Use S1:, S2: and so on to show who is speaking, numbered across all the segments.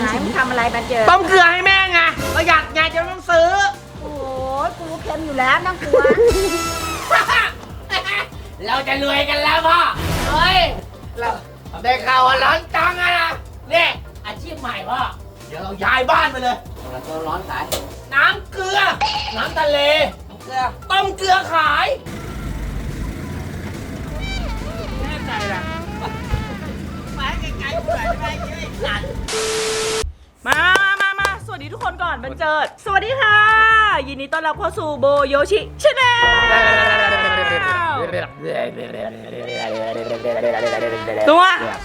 S1: ไหนมึงทำอะไรมาเจอ
S2: ต้มเกลือให้แม่ไงประหยัดไงจะต้องซื้อ
S1: โอ้ยกูเค็มอยู่แล้วน้ำกลัว
S2: เราจะรวยกันแล้วพ่อเฮ้ยเราได้ข่าวว่าร้อนจังอะนะนี่อาชีพใหม่พ่อเดี๋ยวเราย้ายบ้านไปเลยเราตัวร้อนขายน้ำเกลือน้ำทะเลเกลือต้มเกลือขายแน่ใจนะไปไกลๆไปไปสัตว์
S3: มาสวัสดีทุกคนก่อนบันเจิดสวัสดีค่ะ ยินดีต้อนรับเข้าสู่โบโยชิชาแนลตัว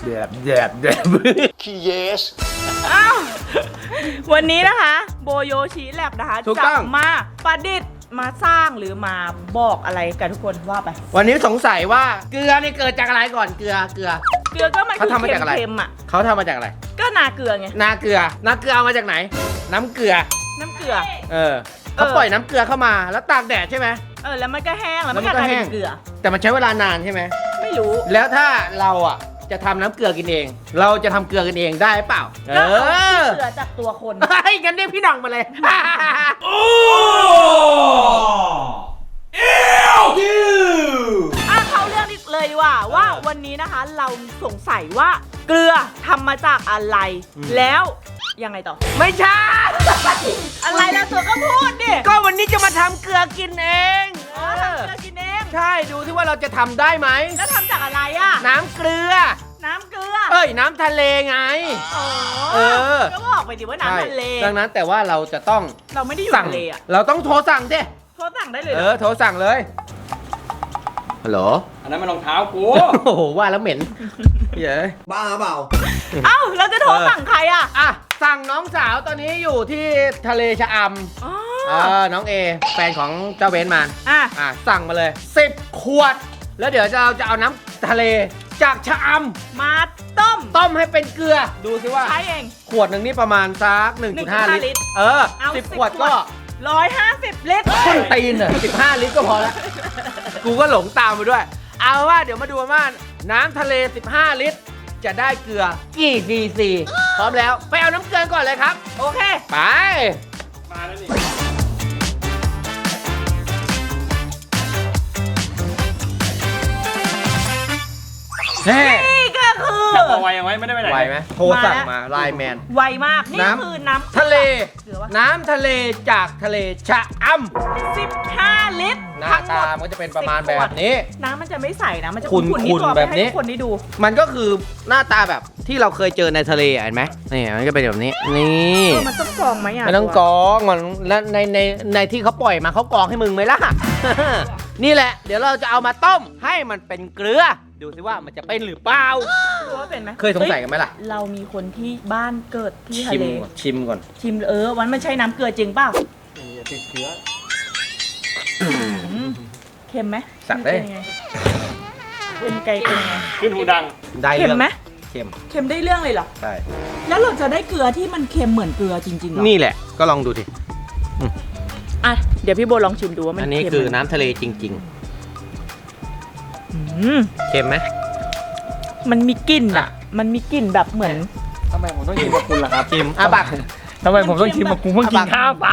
S2: ขี้เยส
S3: อ้าววันนี้นะคะโบโยชิแลบนะคะ
S2: ถูก
S3: จะ
S2: ต้อง
S3: มาประดิษฐ์มาสร้างหรือมาบอกอะไรกันทุกคนว่าไป
S2: วันนี้สงสัยว่าเกลือนี่เกิดจากอะไรก่อนเกลือ
S3: เกลือก็มัน
S2: เขา
S3: คือ
S2: ทำมาจากอะไร
S3: เค็มๆอ่ะ
S2: เขาทำมาจากอะไร
S3: ก็นาเกลือไง
S2: นาเกลือเอามาจากไหน น้ำเกลือ
S3: น้ำเกลือ
S2: เขาปล่อยน้ำเกลือเข้ามาแล้วตากแดดใช่ไหม
S3: แล้วมันก็แห้งแล้วมัน
S2: แล้วมันก็
S3: ก็กลาย
S2: แห้
S3: เป็
S2: ง
S3: นเกลือ
S2: แต่มันใช้เวลานานใช่ไหม
S3: ไม่รู้
S2: แล้วถ้าเราอ่ะจะทำน้ำเกลือกินเอง เราจะทำเกลือกันเองได้เปล่า
S3: ก็เอาเกลือจากตัวคน
S2: ให้กันเรียกพี่หน่องมาเลยโอ้
S3: เข้าเรื่องนี้เลยดีกว่าวันนี้นะคะเราสงสัยว่าเกลือทำมาจากอะไรแล้วยังไงต่อ
S2: ไม่ใช่
S3: อะไรแล้วตัวก็พูดดิ
S2: ก็วันนี้จะมาทำเกลือกินเอง
S3: ทำเกลือกินเอง
S2: ใช่ดูที่ว่าเราจะทำได้ไหม
S3: แล้วทำจากอะไรอ่ะ
S2: น้ำเกลือ
S3: น้ำเกลือ
S2: เอ้ยน้ำทะเลไง เออ
S3: ก็บอกไปดิว่าน้ำทะเล
S2: ดังนั้นแต่ว่าเราจะต้อง
S3: เราไม่ได้อยู่
S2: สั่ง
S3: ทะเลอ่ะ
S2: เราต้องโทรสั่งดิ
S3: โทรสั่งได้เลยเหรอ
S2: โทรสั่งเลยฮัลโหล
S4: อันนั้นมันรองเท้ากู
S2: โอ้โหว่าแล้วเหม็นเย้ย
S4: บ้าเปล่า
S3: เอ้าแล้วจะโทรสั่งใครอ่ะ
S2: อ่ะสั่งน้องสาวตอนนี้อยู่ที่ทะเลชะอ
S3: อ๋อ
S2: ำน้องเอแฟนของเจ้าเบนซ์มา
S3: อ่ะ
S2: สั่งมาเลย10 ขวด แล้วเดี๋ยวเราจะเอาน้ำทะเลจากชะอำ
S3: มาต้ม
S2: ต้มให้เป็นเกลือดูสิว่า
S3: ใช้เอง
S2: ขวดหนึ่งนี่ประมาณสัก 1.5 ลิตร
S3: เอา
S2: 10 ขวดก็
S3: 150 ลิตร
S2: ต้นตีนอ่ะ15 ลิตรก็พอแล้ว กูก็หลงตามไปด้วย เอาว่าเดี๋ยวมาดูว่าน้ำทะเล 15 ลิตร จะได้เกลือกี่ซีซีพร้อมแล้วไปเอาน้ำเกลือก่อนเลยครับ
S3: โอเค
S2: ไป
S4: มาแล้วนี่
S2: เฮ้
S3: นี่ก็คือ
S4: จับเอาไว้ยังไว้ไม่ได้ไปไหน
S2: ไหวไหมโทรสั่งมาไลน์แมน
S3: ไวมาก นี่
S2: น้ำ
S3: คือน้ำ
S2: ทะเล
S3: เกลือวะ
S2: น้ำทะเลจากทะเลชะอำ
S3: 15 ลิตร
S2: หน้า
S3: ทั้งหม
S2: ตา
S3: ด
S2: มันก็จะเป็นประมาณแบบนี้
S3: น้ำมันจะไม่ใสนะ มันจะ
S2: ขุ่น
S3: ๆนี่ตัว
S2: แบบนี้
S3: ให้ทุกคนได้ดู
S2: มันก็คือหน้าตาแบบที่เราเคยเจอในทะเลอ่ะเห็นไหมนี่มันก็เป็นแบบนี้ นี่
S3: มันต้องกรองไหมอ่ะ
S2: ไม่ต้องกรองมันแล้วในที่เขาปล่อยมาเขากรองให้มึงไหมล่ะ นี่แหละ เดี๋ยวเราจะเอามาต้มให้มันเป็นเกลือ ดูสิว่ามันจะเป็นหรือเปล่า
S3: รู้ว่าเป็นไหม
S2: เคยสงสัยกันไหมล่ะ
S3: เรามีคนที่บ้านเกิดที่ทะ
S2: ชิม
S3: เล
S2: ก่อนชิมก่อน
S3: ชิมวันมันใช่น้ำเกลือจริงเปล่า
S4: ติดเชื้อ
S3: เค็มไหม
S2: สั่งได้
S3: เป็นยังไงเป็นไก่เป็นยังไง
S4: ขึ้นหูดัง
S2: ได้
S3: เค็ม
S2: เรื่อง
S3: ไหม
S2: เค็ม
S3: เค็มได้เรื่องเลยเหรอ
S2: ใช่
S3: แล้วเราจะได้เกลือที่มันเค็มเหมือนเกลือจริงๆเหรอ
S2: นี่แหละก็ลองดูดิ
S3: อ่ะเดี๋ยวพี่โบลองชิมดูว่ามัน
S2: อันนี้
S3: เค็ม
S2: คือ
S3: ไหม
S2: น้ำทะเลจริง
S3: อืม
S2: ๆ เค็มไหม
S3: มันมีกลิ่นอ่ะ มันมีกลิ่นแบบเหมือน
S4: ทำไมผมต้องชิมกับคุณล่ะครับ
S2: ชิมบัก
S4: ทำไมผมต้องชิมกับคุณเพิ่งกินข้าวไป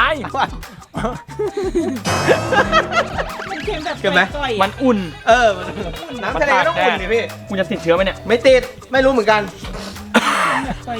S3: มันเค็มแบบ
S2: เค็มไหม
S3: ก่อยๆ
S4: มั
S3: อ่ะ
S4: นอุ่น
S2: น้ำทะเลก็ต้องอุ่นดิพี่
S4: คุณจะติดเชื้อไหมเนี่ย
S2: ไม่ติด ไม่รู้เหมือนกัน
S3: ก่อย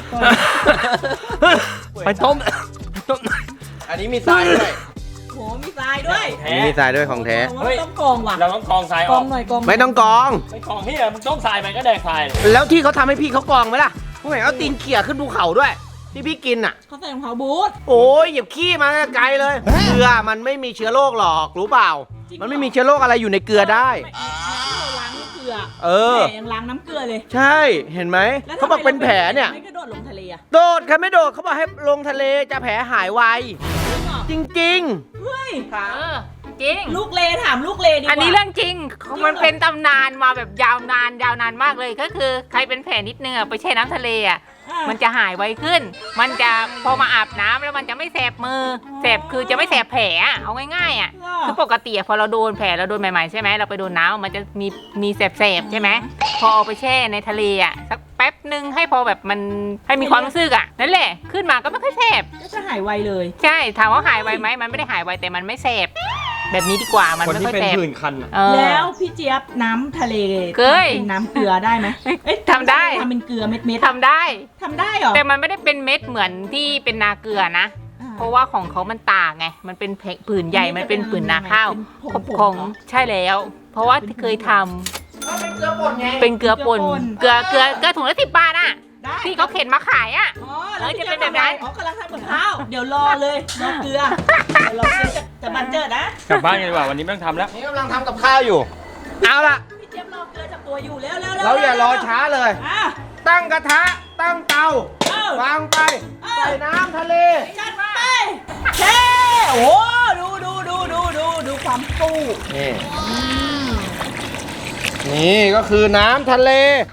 S4: ไปต้ม
S2: อันนี้มีทรายด้วย
S3: ๆโหมีทรายด้วย
S2: อันนี้มีทรายด้วยของแท้
S3: โอ้ยต้องกรองว่ะ
S4: เราต้องกรองทราย
S3: ก
S4: อ
S3: รอ
S4: อง ก
S3: หน่อยกรอง
S2: ไม่ต้องกรอง
S4: ไม่กรองที่มึงต้มทรายไปก็แดกทรายเลย
S2: แล้วที่เขาทำให้พี่เขากรองไหมล่ะผมเห็นเอาตีนเขี่ยขึ้นภูเขาด้วย ที่พี่กินอ่ะ
S3: เขาใส่รองเท้าบูท
S2: โอ้ยเหยียบขี้มาไกลเลย เกลือมันไม่มีเชื้อโรคหรอกรู้เปล่า มันไม่มีเชื้อโรคอะไรอยู่ในเกลือได้
S3: เราล้างน้ำเกลือ
S2: เออ
S3: แหมยังล้างน้ำเกลือเลย
S2: ใช่เห็นไหม
S3: แล้ว
S2: เขาบอกเป็นแผลเนี่ย
S3: ไม่กระโดดลงทะเลอ่ะ
S2: โดดค่ะไม่โดดเขาบอกให้ลงทะเลจะแผลหายไว จริง
S3: เฮ้ย
S5: จริง
S3: ลูกเลถามลูกเลดีกว่า
S5: อันนี้เรื่องจริง มันเป็นตำนานมาแบบยาวนานมากเลย ก็คือใครเป็นแผลนิดนึงอะไปแช่น้ำทะเลอะ
S3: อ่ะ
S5: มันจะหายไวขึ้น มันจะพอมาอาบน้ำแล้วมันจะไม่แสบมือ แสบคือจะไม่แสบแผลอะเอาง่ายๆอะคือปกติอะพอเราโดนแผลเราโดนใหม่ๆใช่ไหมเราไปโดนน้ำมันจะมีแสบๆใช่ไหมพอเอาไปแช่ในทะเลอะสักป๊บนึงให้พอแบบมันให้มีความรู้สึกอ่ะนั่นแหละขึ้นมาก็ไม่ค่อยแสบ
S3: ก็จะหายไวเลย
S5: ใช่ถามว่าหายไวไหมมันไม่ได้หายไวแต่มันไม่แสบแบบนี้ดีกว่ามัน
S4: คน
S5: ไม่
S4: ที่
S5: ค่อย
S4: เป็น
S5: แสบ
S4: ผื่นคันอะ
S3: แล้วพี่เจี๊ยบน้ำทะเล
S5: เคย
S3: เป็นน้ำเกลือได้ไหมเอ้ย
S5: ทำได้
S3: ทำเป็นเกลือเม็ดๆ
S5: ทำได้
S3: ทำได้เหรอ
S5: แต่มันไม่ได้เป็นเม็ดเหมือนที่เป็นนาเกลือนะ เพราะว่าของเขามันต่างไงมันเป็นผื่นใหญ่มันเป็นผื่นนาข้าว
S3: เป็นผงๆ
S5: ของใช่แล้ว เพราะว่าเคยทำ
S2: ก็เป็นเกลือป่นไง
S5: เป็นเกลือป่นเกลือถุงละ10 บาทอ่ะ
S3: ได้
S5: ที่เขาเข็นมาขายอ่ะ
S3: อ๋อแล้ว
S5: จะเป็นแบบนั้น
S3: อ๋อกำลังทำกับข้าว เดี๋ยวรอเลยรอเกลือเดี๋ยวรอเกลือจะบันเจิดนะ
S4: กลับบ้านกันดีกว่าวันนี้ไม่ต้องทำแล้ว
S2: นี่กำลังทำกับข้าวอยู่ เอาล่ะ
S3: พี่เจี๊ยบรอเกลือจากตัวอยู่แล้ว
S2: เราอย่ารอช้าเลย
S3: อ่ะ
S2: ตั้งกระทะ ตั้งเตา
S3: เออ
S2: วางไป ใส่น้ำทะเล
S3: จัดไปเช่โอ้ดูความฟู
S2: นี่ นี่ก็คือน้ำทะเล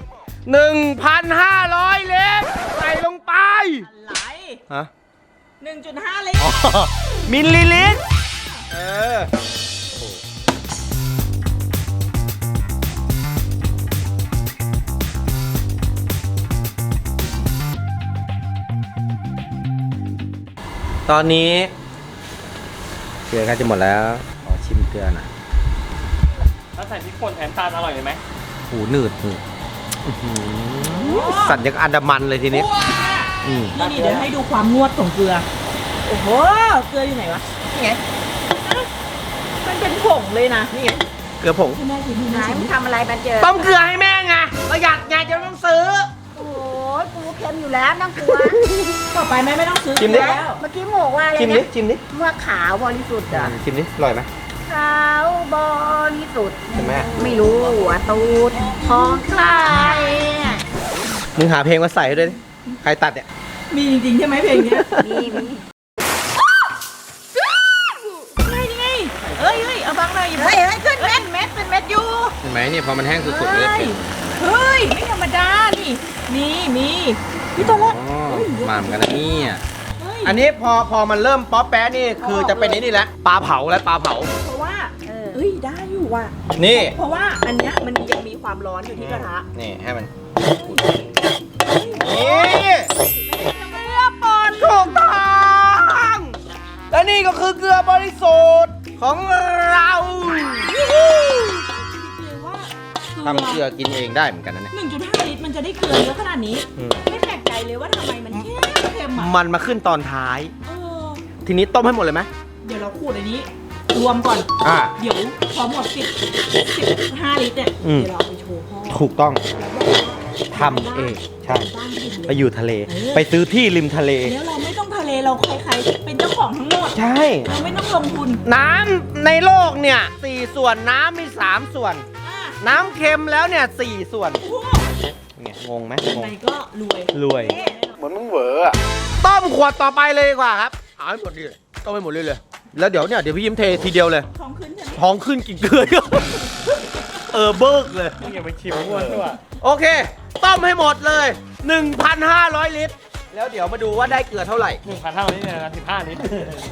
S2: 1,500 ลิตร ใส่ลงไป
S3: อะไร
S2: ฮะ
S3: 1.5 ลิตร
S2: มิลลิลิตร ตอนนี้เกลือใกล้จะหมดแล้วขอชิมเกลือหน่อย
S4: ถ้าใส่พริกป่นแทนตาลอร่อยเลยไหม
S2: หูหนืดอื้อหือสัตว์ยังอันดามันเลยทีนี้อืม
S3: นี่เดี๋ยวให้ดูความงวดของเกลือ โอ้โห เกลืออยู่ไหนวะ นี่ไงมันเป็นผงเลยนะ นี่ไง
S2: เกลือผง
S3: ให้แม่ชิมให้
S1: ไหน
S3: แม่ชิม
S1: มึงทำอะไรบันเจิด
S2: ต้มเกลือให้แม่ไงประหยัดไงจะไม่ต้องซื้อ
S1: โอ้ยกูเค็มอยู่แล้วนั่งกลัว
S3: ต่อไปแม่ไม่ต้องซื้อ
S2: ชิมดิ
S3: แล้ว
S1: เมื่อกี้โมกว่าอะไร
S2: ชิมดิ
S1: นะ
S2: ชิมดิ
S1: เมื่อขาวบริสุทธิ์อ่ะ
S2: ชิมดิ อร่อยไหม
S1: ขาวบริสุทธิ์
S2: เห็นไหม
S1: ไม่รู้ว่าตูดของใครเนี่ย
S2: มึงหาเพลงมาใส่ให้ด้วยดิใครตัดเนี่ย
S3: มีจริงๆใช่ไหมเพลงเนี้ย
S1: มี
S3: นี่ไงเอ้ยเอาบังเลย
S1: เฮ้ยขึ้นเม็ด
S3: เป็นเม็ดอยู่
S2: เห็นไหมเนี่ยพอมันแห้งสุดๆเลยเป็น
S3: เฮ้ย ไม่ธรรมดา นี่มีพี่ตัวละ
S2: อ๋อมาเหมือนกันนะเนี่ย
S3: เฮ้ย
S2: อันนี้พอมันเริ่มป๊อปแป๊ะนี่คือจะเป็นนี่แล้วปลาเผาแล้วปลาเผา
S3: เพราะว่าเอ้ย ได้อยู่ว่ะ
S2: นี่
S3: เพราะว่าอันเนี้ยมันยังมีความร้อนอยู่ที่กระทะ
S2: นี่ให้มัน นี่
S3: เกลือป่น
S2: ถูกต้องและนี่ก็คือเกลือบริสุทธิ์ของเรา
S3: เลยว่า
S2: ทำเกลือกินเองได้เหมือนกันนะเนี่ย
S3: 1.5 ลิตรมันจะได้เกลือเยอะขนาดนี้
S2: อืม
S3: ไม่แปลกใจเลยว่าทำไมมันเค็มอ่ะ
S2: มันมาขึ้นตอนท้าย
S3: เออ
S2: ทีนี้ต้มให้หมดเลยไหม
S3: เดี๋ยวเราขูดอันนี้ รวมก่อน
S2: อ่า
S3: เดี๋ยวพอหมด15 ลิตรเนี่ย
S2: อืม
S3: เดี๋ยวเราเอาไปโชว์พ่อ
S2: ถูกต้อง
S3: แล้วบอกว่า
S2: ทำเองใช่
S3: บ้านดิน
S2: ไป
S3: เลย
S2: อยู่ทะเล ไปซื้อที่ริมทะเล
S3: แล้วเราไม่ต้องทะเลเราใครๆเป็นเจ้าของทั้งหมด
S2: ใช่
S3: เราไม่ต้องลงทุน
S2: น้ำในโลกเนี่ย4ส่วนน้ำมี3ส่วน
S3: อ่ะ
S2: น้ำเค็มแล้วเนี่ย4ส่วน
S3: โอ้โห
S2: ไงงงไหม
S3: ยัง
S2: ง
S3: ไง
S2: ง
S3: ก็รวย
S2: รวยเหมือนมึงเหวออะต้มขวดต่อไปเลยดีกว่าครับเอาให้หมดเลยต้มให้หมดเลยเลย แล้วเดี๋ยวพี่ยิ้มเททีเดียวเลย
S3: ท้องขึ้นใช่ไหม
S2: ท้องขึ้นกินเกลือ เบิกเลย
S4: มึงอย่าไปชิมม้วนด้วย
S2: โอเค ต้มให้หมดเลย 1,500 ลิตร แล้วเดี๋ยวมาดูว่าได้เกลือเท่าไหร่
S4: 1,500นี่นะ15ลิตร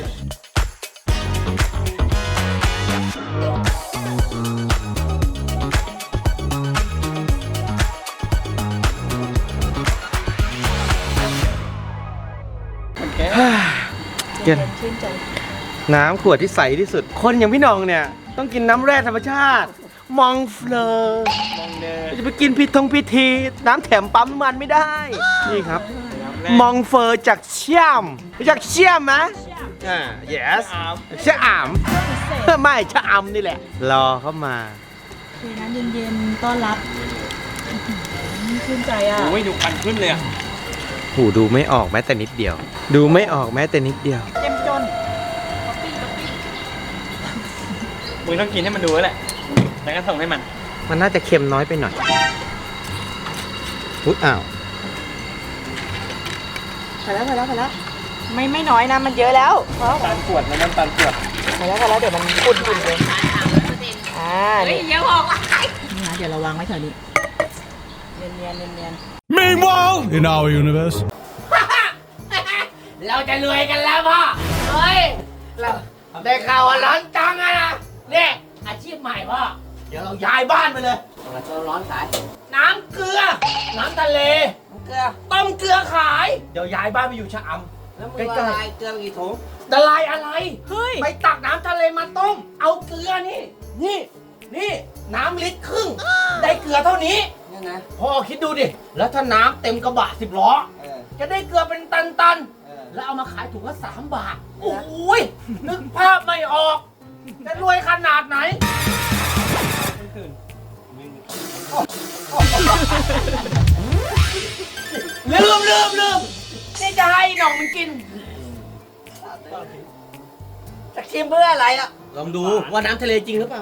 S2: เย็น
S3: ชื่นใจ
S2: น้ำขวดที่ใสที่สุด คนอย่างพี่น้องเนี่ย ต้องกินน้ำแร่ธรรมชาติ มองเฟลอ
S4: มองเดิน
S2: จะไปกินพิธี น้ำแถมปั๊มน้ำมันไม่ได้ นี่ครับ มองเฟอร์จากเชี่ยมรู้จักเชี่ยมไหมyes ชะอามไม่ชะอำนี่แหละ รอเข้ามา
S3: เทน้ำเย็นๆต้อนรับชื่นใจอ่ะ
S4: โอ้ยดูคันขึ้นเลยอะ
S2: หูดูไม่ออกแม้แต่นิดเดียว ดูไม่ออกแม้แต่นิดเดียว
S3: เจ็มจน
S4: มึงต้องกินให้มันดูแล้วแหละแล้วก็ส่งให้มัน
S2: มันน่าจะเค็มน้อยไปหน่อยอุ๊ยอ้าว
S3: ไปแล้วไม่น้อยนะมันเยอะแล้วพอ
S4: ตาลขวดนะน้ำตาลขวด
S3: ไปแล้วเดี๋ยวมันขุ่นเลยนี่
S5: เยอะบอกว่า
S3: นี่นะเดี๋ยวเราวางไว้แถวนี้เนียน
S6: Meanwhile, in our universe.
S2: เราจะรวยกันแล้วพ่อ เฮ้ย เราได้ข่าวว่าร้อนจังอะนะเนี่ยอาชีพใหม่พ่อ เดี๋ยวเราย้ายบ้านไปเลยเราร้อนสายน้ำเกลือ น้ำทะเล
S7: เกลือ
S2: ต้มเกลือขาย เดี๋ยวย้ายบ้านไปอยู่ชะอำ
S7: แล้วมึง
S2: ใก
S7: ละ
S2: ล้
S7: ลายเกลือกี่ถุง
S2: ๆละลายอะไร
S3: เฮ้ย
S2: ไปตักน้ำทะเลมาต้ม เอาเกลือนี่ นี่น้ำลิตรครึ่ง ได้เกลือเท่านี้
S7: เนี่ยนะ
S2: พ่อคิดดูดิ แล้วถ้าน้ำเต็มกระบะ10 ล้อ
S7: เออ
S2: จะได้เกลือเป็นตัน
S7: เออ
S2: ๆ แล้วเอามาขายถุงละ3 บาท โอ้ยนึกภาพไม่ออก จะรวยขนาดไหน ลืมนี่จะให้หน่องมันกิน
S7: จะชิมเพื่ออะไรอ่ะ
S2: ลองดูว่าน้ำทะเลจริงหรือเปล่า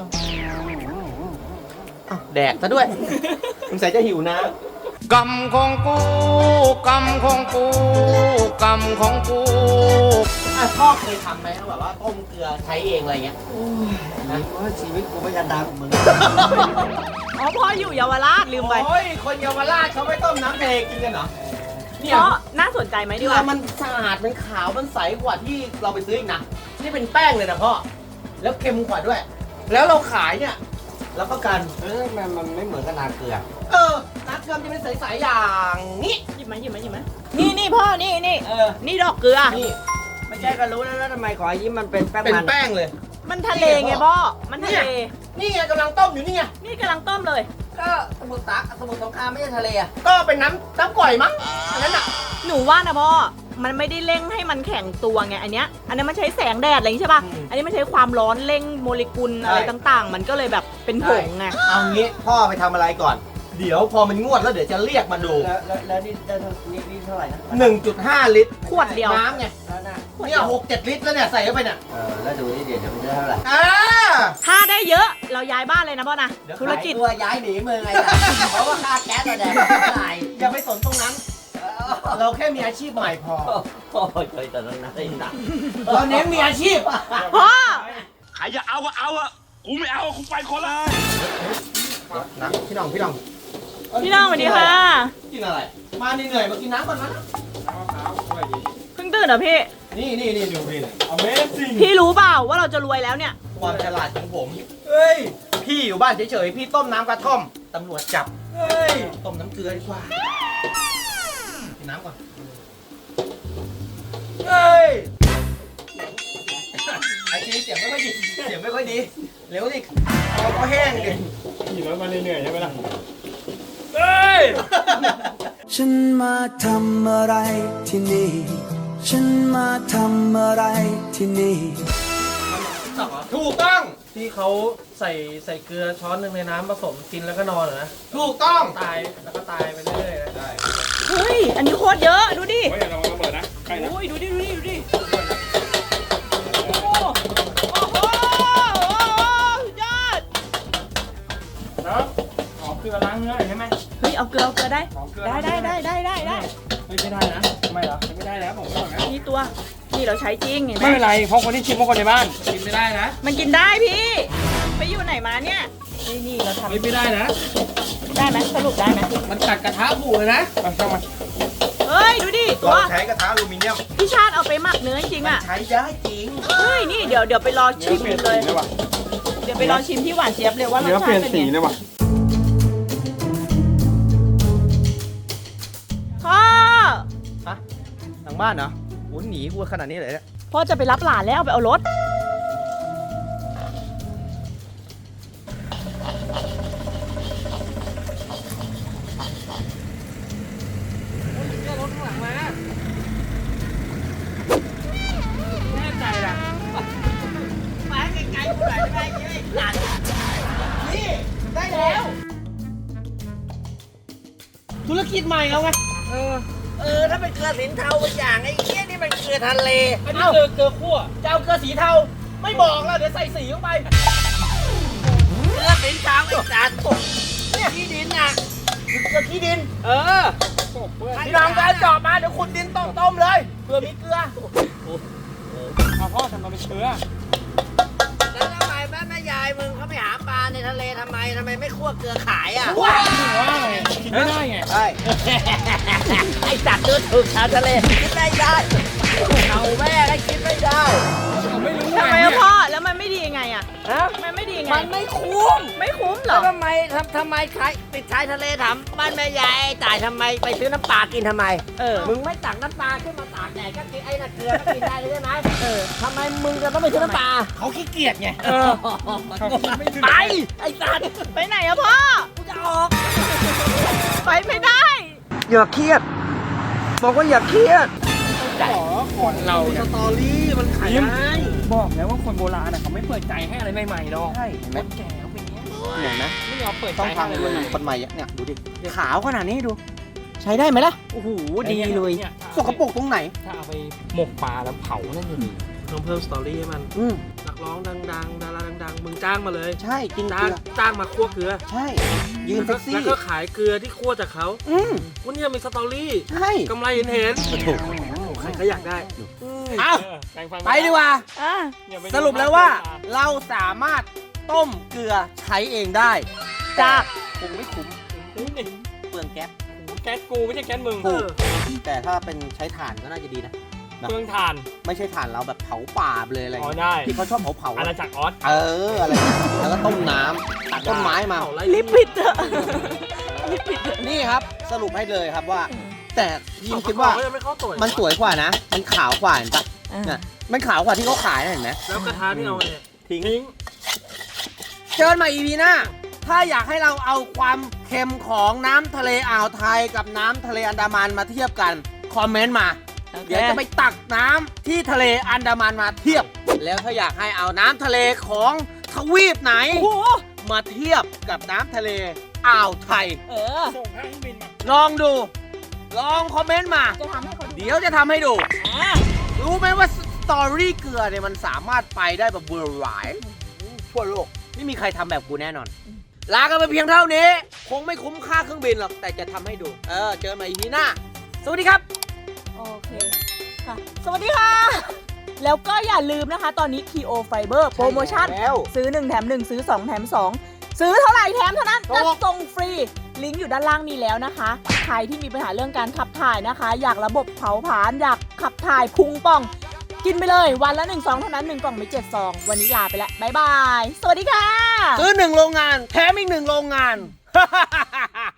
S2: อ้าวแดกซะด้วย สงสัยจะหิวน้ำ
S5: กรรมของกูกรรมของกูกรรมของกู
S2: พ่อเคยทำไหมแบบว่าต้มเกลือใช้เองอะไรเงี้ย
S7: นะว่าชีวิตกูไม่ยันดังมึง
S3: อ๋อพ่ออยู่เยาวราชลืมไป
S2: โอ้ย คนเยาวราชเขาไม่ต้มน้ำทะเลกินกันเหรอ เนี่ย
S3: เพราะน่าสนใจไหม
S2: เก
S3: ดี
S2: ลื
S3: ก
S2: อ
S3: ว่า
S2: มันสะอาด มันขาว มันใสกว่าที่เราไปซื้ออีกนะ นี่เป็นแป้งเลยนะพ่อ แล้วเค็มกว่าด้วย แล้วเราขายเนี่ยรับประกัน
S7: มันไม่เหมือนกับนาเกลือ
S2: น้ำเกลือจะเป็นใสๆอย่างนี้
S3: หยิบมานี่พ่อนี่ นี่ดอกเกลือ
S2: นี่
S7: ไม่ใช่ก็รู้แล้วทำไมขอยิ้มมันเป็นแป้ง
S2: เป็น
S7: มัน
S2: แป้งเลย
S3: มันทะเลไงพ่อ มันทะเล
S2: นี่ไงกำลังต้มอยู่นี่ไง
S3: นี่กำลังต้มเลย
S7: ก็สมุทรสงครามไม่ใช่ทะเลอ่ะ
S2: ก็เป็นน้ำก่อยมั้งอันนั้นอ่ะ
S3: หนูว่านะพ่อ มันไม่ได้เร่งให้มันแข็งตัวไงอันเนี้ย อันนั้นมันใช้แสงแดดอะไรอย่างงี้ใช่ป่ะ อันนี้มันใช้ความร้อนเร่งโมเลกุลอะไรต่างๆ มันก็เลยแบบเป็นผงไง
S2: เอางี้พ่อไปทำอะไรก่อน เดี๋ยวพอมันงวดแล้วเดี๋ยวจะเรียกมาดู
S7: แล้วนี่ได้นี่เท่าไหร่นะ
S2: 1.5 ลิตร
S3: ขวดเดียว
S2: น้ำไง
S7: แล้วนะ
S2: เนี่ย6-7 ลิตรแล้วเนี่ยใส่เข้าไปเนี่ย
S7: แล้วดูนี่เดี๋ยวมันจะเท่าไหร่
S2: อ่า
S3: ถ้าได้เยอะเราย้ายบ้านเลยนะพ่อนะ
S2: เดี๋ยว
S3: ธุรกิจ
S7: ตัวย้ายหนีเมืองไงล่ะเพราะว่าค่าแก๊สเราแดงเท่าไหร่
S2: อย่าไปสนตรงนั้น เราแค่มีอาชีพใหม่พอ
S7: โอ้ยเคยแต่นั้นนะไอ้หนัก
S2: เราเน้นมีอาชีพ
S3: พ่อ
S6: ใครจะเอาก็เอาอะกูไม่เอากูไปคนละ
S2: นะพี่น้อง
S3: พี่น้องสวัสดีค่ะ
S2: กินอะไร มาเหนื่อยๆมากินน้ำก่อนนะ
S3: เพิ่งตื่นเหรอพี่
S2: นี่ดูพี่เลย Amazing
S3: พี่รู้เปล่าว่าเราจะรวยแล้วเนี่ย
S2: ความฉลาดของผม เฮ้ย พี่อยู่บ้านเฉยๆ พี่ต้มน้ำกระท่อม ตำรวจจับ เฮ้ย ต้มน้ำเกลือดีกว่า กินน้ำก่อน เฮ้ย ไอ้ทีเสียงไม่ค่อยดี เสียงไม่ค่อยดี เร็วดิคอก็แห้งดิ
S4: ขี่รถมาเหนื่อยๆใช่ไหมล่ะ
S2: เฮ้ย
S8: ฉันมาทำอะไรที่นี่ ฉันมาทำอะไรที่นี่
S2: ถูกต้อง
S9: ที่เขาใส่เกลือช้อนหนึ่งในน้ำผสมกินแล้วก็นอนเหรอนะ
S2: ถูกต้อง
S9: ตายแล้วก็ตายไปเรื่อยๆนะ
S3: เฮ้ย อันนี้โคตรเยอะ ดูดิ
S4: เฮ้ยเราระเบิดนะใกล้นะ
S3: โอ้ย ดูดิ โอ้โหสุดยอด
S4: แล้วขอเกลือล้างเนื้อหน่อยใช่ไหม
S3: เฮ้ย เอาเกลือได้
S4: ขอเกลือ
S3: ได้
S4: ล้างเนื้อ
S3: ได้
S4: ไม่ได้นะทำไมเหรอไม่ได้แล้วผมบอกนะ
S3: นี่ตัว นี่เราใช้จริงเห็นไหม
S4: ไม่เป็นไรเพราะคนที่ชิมเพราะคนในบ้าน
S9: กินไม่ได้นะ
S3: มันกินได้พี่ ไปอยู่ไหนมาเนี่ย นี่เราทำ
S9: ไม่ได้นะ
S3: ได้ไหมสรุปได้ไหม
S9: มันกัดกระทะบูเลยนะ
S4: มาเข้ามา
S3: เฮ้ย ดูดิ ตัว
S2: เราใช้กระทะอลูมิเนียม
S3: พี่ชาติเอาไปหมักเนื้อจริงๆอ่ะ
S2: ใช้ได้จริง
S3: เฮ้ย นี่เดี๋ยวไปรอชิม
S4: เปลี่ยน
S3: เล
S4: สี
S3: ย
S4: เลยว่ะ
S3: เดี๋ยวไปรอชิมที่หวานเจี๊ยบเลยว่ารส
S4: เนื้อ
S3: ชา
S4: เปลี่ย
S3: ติ
S4: น
S3: เป็น
S4: สี
S3: ไง
S4: เลยว่ะ
S3: พ่อ
S2: ฮะทางบ้านเหรอโหหนีกูขนาดนี้เลยเนี่ย
S3: พ่อจะไปรับหลานแล้วไปเอารถ
S9: แน่ใจนะ
S7: มาไกลๆกูหน่อยได้ไหมไอ้หนัก
S2: นี่ได้แล้ว ธุรกิจใหม่เราไง
S7: ถ้าเป็นเกลือสินเทาบางอย่างไอ้เหี้ยนี่มันเกลือทะเล
S9: อันนี้เกลือคั่ว
S2: จะเอาเกลือสีเทา ไม่บอกแล้วเดี๋ยวใส่สีลงไป
S7: เกลือสินเทาไอ้สัตว์เนี่ยที่ดินน่ะ
S2: เกลือขี้ดิน
S7: พี่
S2: พี่น้องไปเอาจอบมาเดี๋ยวขุดดินต้มเลยเกลือมีเกลือ
S4: เอาพ่อทำมาเป็นเชื้อ
S7: แล้วทำไมแม่ยายมึงเขาไปหาปลาในทะเลทำไมไม่คั่วเกลือขายอ่ะ
S4: ว่าไงกินไม่ได้ไง
S7: ใช่ ไอ้สัตว์เลือดถึกชาวทะเลกินไม่ได้เอาแม่ก็กินไม่ได้
S4: ผมไม่รู้
S3: ทำไมอะพ่อ แล้วมันไม่ดียังไงอะ
S7: ฮะ
S3: มันไม่ดียังไง
S7: มันไม่คุ้ม
S3: ไม่คุ้มเหร
S7: แล้
S3: อ
S7: วทำไมติดชายทะเลถามบ้านแม่ยายไอ้จ่ายทำไมไปซื้อน้ำปลากินทำไม มึงไม่ตักน้ำปลาขึ้นมาตากแดดก็กินไอ้น่ะเกลือก็กินได้เลยใช่ไหมทำไมมึงจะต้องไปซื้อน้ำปลา
S2: เขาขี้เกียจไง
S7: ไปไอ้สัตว์
S3: ไปไหนอะพ่อ
S7: กูจะออก
S3: ไปไม่ได้
S7: อย่าเครียด บอกว่าอย่าเครียด
S4: คนเราเนี่ย
S2: สตอรี่มันขายได้
S4: บอกแล้วว่าคนโบราณเขาไม่เปิดใจให้อะไรใหม่ๆหรอก
S7: ใช่เห็นไหม
S4: คนแก่เขาเป็นอย่างเงี้ย
S7: เห็นไหม
S4: ไม่ยอมเปิดใจ
S7: ต้อง
S4: ให้
S7: ทำ
S4: อะไร
S7: คน
S4: ใหม่
S7: คนใหม่เนี่ยดูดิขาวขนาดนี้ดู ใช้ได้ไหมล่ะโอ้โหดีเลย
S4: นี่
S7: สกปรกตรงไหน
S4: ถ้าเอาไปหมกปลาแล้วเผานั่นจะดี
S9: ต้องเพิ่มสตอรี่ให้มัน นักร้องดังๆ ดาราดังๆ มึงจ้างมาเลย
S7: ใช่กินเก
S9: จ้าง
S7: ลือ
S9: มาคั่วเกลือ
S7: ใช่ ยืนเซ็กซี่
S9: แล้วก็ขายเกลือที่คั่วจากเขา วันนี้มีสตอรี่
S7: ใช่
S9: กำไรเห็น
S7: ถูก
S9: ใครก็อยากได้
S7: เอ้า
S4: แปลงฟัน
S7: ไปดีกว่า
S4: อย่าไป
S7: สรุปแล้วว่าเราสามารถต้มเกลือใช้เองได้
S3: จาก
S7: คงไม่คุ้มเปลืองแก๊ส
S4: แก๊สกูไม่ใช่แก๊สมึง
S7: ถูกแต่ถ้าเป็นใช้ถ่านก็น่าจะดีนะ
S4: เครื่องถ่าน
S7: ไม่ใช่ถ่านเราแบบเผาป่าเลยอะไร
S4: อ๋อได้
S7: ที่เขาชอบเผา
S4: อาณาจักรออส
S7: อะไรแล้วก็ต้มน้ำตัดต้นไม้มา
S9: เผาไล่
S3: ลิปปิดเถอะลิปปิดเถอะ
S7: นี่ครับสรุปให้เลยครับว่า แต่ยิมคิดว่า
S9: ก็ยังไม่เข้าตัว
S7: มันสวยกว่านะ มันขาวกว่าเห็นปะเนี่ยมันขาวกว่าที่เขาขายนะเห็นไหม
S9: แล้วกระทะที่เอาเนี่ย
S7: ทิ้งเจอกันใหม่ EP หน้า ถ้าอยากให้เราเอาความเค็มของน้ำทะเลอ่าวไทยกับน้ำทะเลอันดามันมาเทียบกัน คอมเมนต์มา เดี๋ยวจะไปตักน้ำที่ทะเลอันดามันมาเทียบ แล้วถ้าอยากให้เอาน้ำทะเลของทวีปไหน มาเทียบกับน้ำทะเลอ่าวไทย
S4: ส่งให้เครื่องบินมา
S7: ลองดู ลองคอมเมนต์มา
S3: จะทำให้เขาดู
S7: เดี๋ยวจะทำให้ดู รู้ไหมว่าสตอรี่เกลือเนี่ยมันสามารถไปได้แบบเวอร์ไวทั่วโลก ไม่มีใครทำแบบกูแน่นอน ลากันไปเพียงเท่านี้ คงไม่คุ้มค่าเครื่องบินหรอก แต่จะทำให้ดู เจอกันใหม่ EP หน้า สวัสดีครับ
S3: โอเคค่ะ สวัสดีค่ะ แล้วก็อย่าลืมนะคะ ตอนนี้ KO Fiber โปรโมชั่น
S7: แล้ว
S3: ซื้อ 1 แถม 1 ซื้อ 2 แถม 2 ซื้อเท่าไหร่แถมเท่านั้น
S7: ถู
S3: จะ
S7: ก
S3: ส่งฟรี ลิงก์อยู่ด้านล่างนี้แล้วนะคะ ใครที่มีปัญหาเรื่องการขับถ่ายนะคะ อยากระบบเผาผลาญอยากขับถ่ายพุงป่อง กินไปเลยวันละ1 ซองเท่านั้น 1 กล่องมี7 ซอง วันนี้ลาไปแล้ว บ๊ายบาย สวัสดีค่ะ
S7: ซื้อ1 โรงงาน แถมอีก 1 โรงงาน